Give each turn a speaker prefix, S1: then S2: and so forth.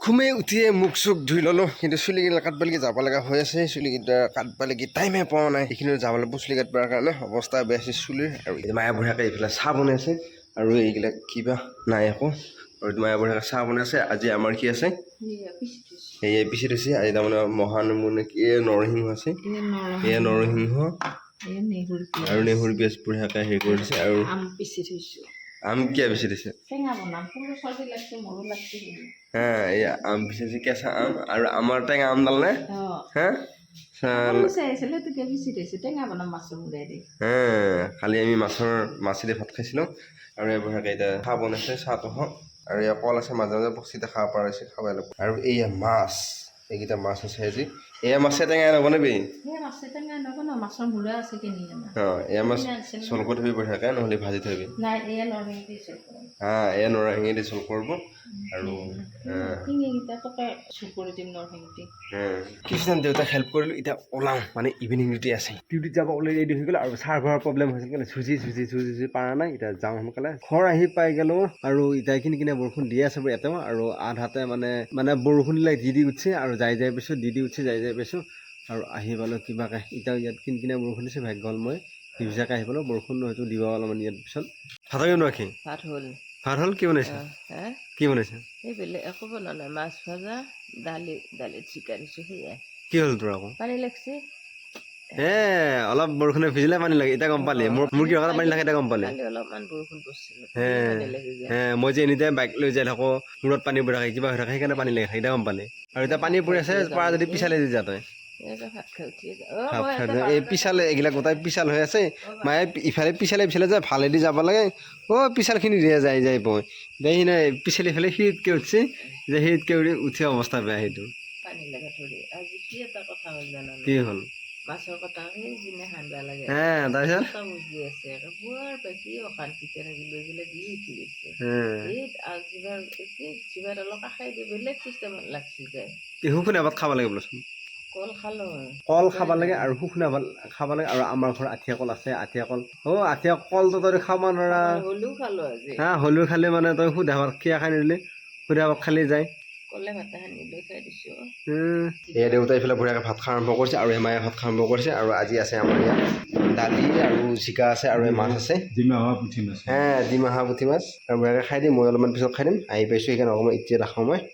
S1: ঘুমে উঠিয়ে মুখ চুখ ধুই ল'লোঁ কিন্তু চুলিকেইটা কাটবালৈকে যাব লগা হৈ আছে চুলিকেইটা কাটবালৈকে টাইমে পোৱা নাই এইখিনি যাব লাগিব চুলি কাটবাৰ কাৰণে অৱস্থা বেয়া আছে চুলিৰ আৰু মায়া বুঢ়াকে এইফালে চাহ বনাইছে আৰু এইবিলাক কিবা নাই আকৌ আৰু মায়া বুঢ়াকে চাহ বনাইছে আজি আমাৰ কি আছে সেয়াই পিছি থৈছে আজি তাৰমানে মহানিমু কি নৰসিংহ আছে এয়া নৰসিংহ আৰু নেহুৰ পিঁয়াজ বুঢ়াকে হেৰি কৰি দিছে আৰু আম কিয় বেছি দিছে এয়া আম পিছে কেঁচা আম আৰু আমাৰ টেঙা আম ডাল নে হা খালি আমি মাছেদি ভাত খাইছিলোঁ আৰু এই বুঢ়াকে এতিয়া চাহ বনাইছে চাহটো হওক আৰু এয়া কল আছে মাজে মাজে বস্তিতে খাব পৰা হৈছে খাব লাগিব আৰু এইয়া মাছ এইকেইটা মাছ আছে আজি এয়া মাছে টেঙা নবনাবি এয়া মাছ চোল কৰি থবি বুঢ়াকে নহ'লে ভাজি থবি এয়া নৰসিংহে দি চোল কৰিব আৰু কিছুমান দেউতাক হেল্প কৰিলোঁ এতিয়া ওলাওঁ মানে ইভিনিং ডিউটি আছে ডিউটিত যাব অলৰেডি ৰেডি হৈ গ'ল আৰু চাৰ্ভাৰৰ প্ৰব্লেম হৈছিল কাৰণে চুজি পৰা নাই এতিয়া যাওঁ সোনকালে ঘৰ আহি পাই গ'লোঁ আৰু এতিয়া কিনি বৰষুণ দি আছে ইয়াতেও আৰু আধাতে মানে বৰষুণ দিলে দি উঠছে আৰু যাই পাইছোঁ দি উঠছে যাই পাইছোঁ আৰু আহি পালোঁ কিবাকে এতিয়া ইয়াত কিনি বৰষুণ দিছে ভাগ্য হ'ল মই নিভিজাকে আহি পালোঁ বৰষুণ হয়তো দিব অলপমান ইয়াত পিছত ভাত নোৱাকি ভাত হ'ল কি বনাইছে কি বনাইছে
S2: এই বেলেগ একো বনোৱা নাই মাছ ভাজা দালিত চিকা দিছোঁ সেয়াই
S1: কি হ'ল তোৰ আকৌ
S2: পানী লাগছে
S1: অলপ বৰষুণে ভিজিলে পানী লাগে এতিয়া গম পালি মোৰ কি পানী লাগে এতিয়া গম পালি
S2: অলপমান বৰষুণ পৰিছিল
S1: মই যে এনি টাইম বাইক লৈ যাই থাকোঁ মূৰত পানী পৰি থাকে কিবা হৈ থাকে সেইকাৰণে পানী লাগে এতিয়া গম পালি আৰু এতিয়া পানী পৰি আছে পৰা যদি পিছালে দি যা তই এই পিছালে এইগিলা গোটাই পিছাল হৈ আছে মায়ে ইফালে পিছালে যায় ভালেদি যাব লাগে পিছালখিনি দিয়ে যাই পয় দেই নাই পিছালি ফালে সিৰিতকৈ উঠছে যে সিৰিতকৈ উঠি অৱস্থা বেয়া সেইটো কি হ'ল
S2: মাছৰ কথা সেইদিনা হান্দা লাগে
S1: তাৰপিছত
S2: বুজি আছে বৰ বেছি অশান্তিতে থাকিলো এইবিলাক দি উঠি গৈছে যিবাৰ অলপ কাষাই দি বেলেগ চিষ্টেমত লাগছি যায়
S1: শুকুনা ভাত খাব লাগে বোলেচোন
S2: কল খালো
S1: কল খাব লাগে আৰু শুকুনা ভাত খাব লাগে আৰু আমাৰ ঘৰত আঠিয়া কল আছে আঠিয়া কল আঠিয়া কলটো তই খাব নোৱাৰা
S2: হ'লেও খালো আজি
S1: হ'লেও খালে মানে তই সুধা ভাত খিয়া খাই নিদিলে সুধা ভাত খালি যায় এয়া দেউতাই এইফালে বুঢ়াকে ভাত খোৱা আৰম্ভ কৰিছে আৰু মায়ে ভাত খোৱা আৰম্ভ কৰিছে আৰু আজি আছে আমাৰ ইয়াত দালি আৰু জিকা আছে আৰু মাছ আছে ডিমাহা পুঠি মাছ আৰু বুঢ়াকে খাই দিম মই অলপমান পিছত খাই দিম আহি পাইছোঁ সেইকাৰণে অকণমান এতিয়া ৰাখোঁ মই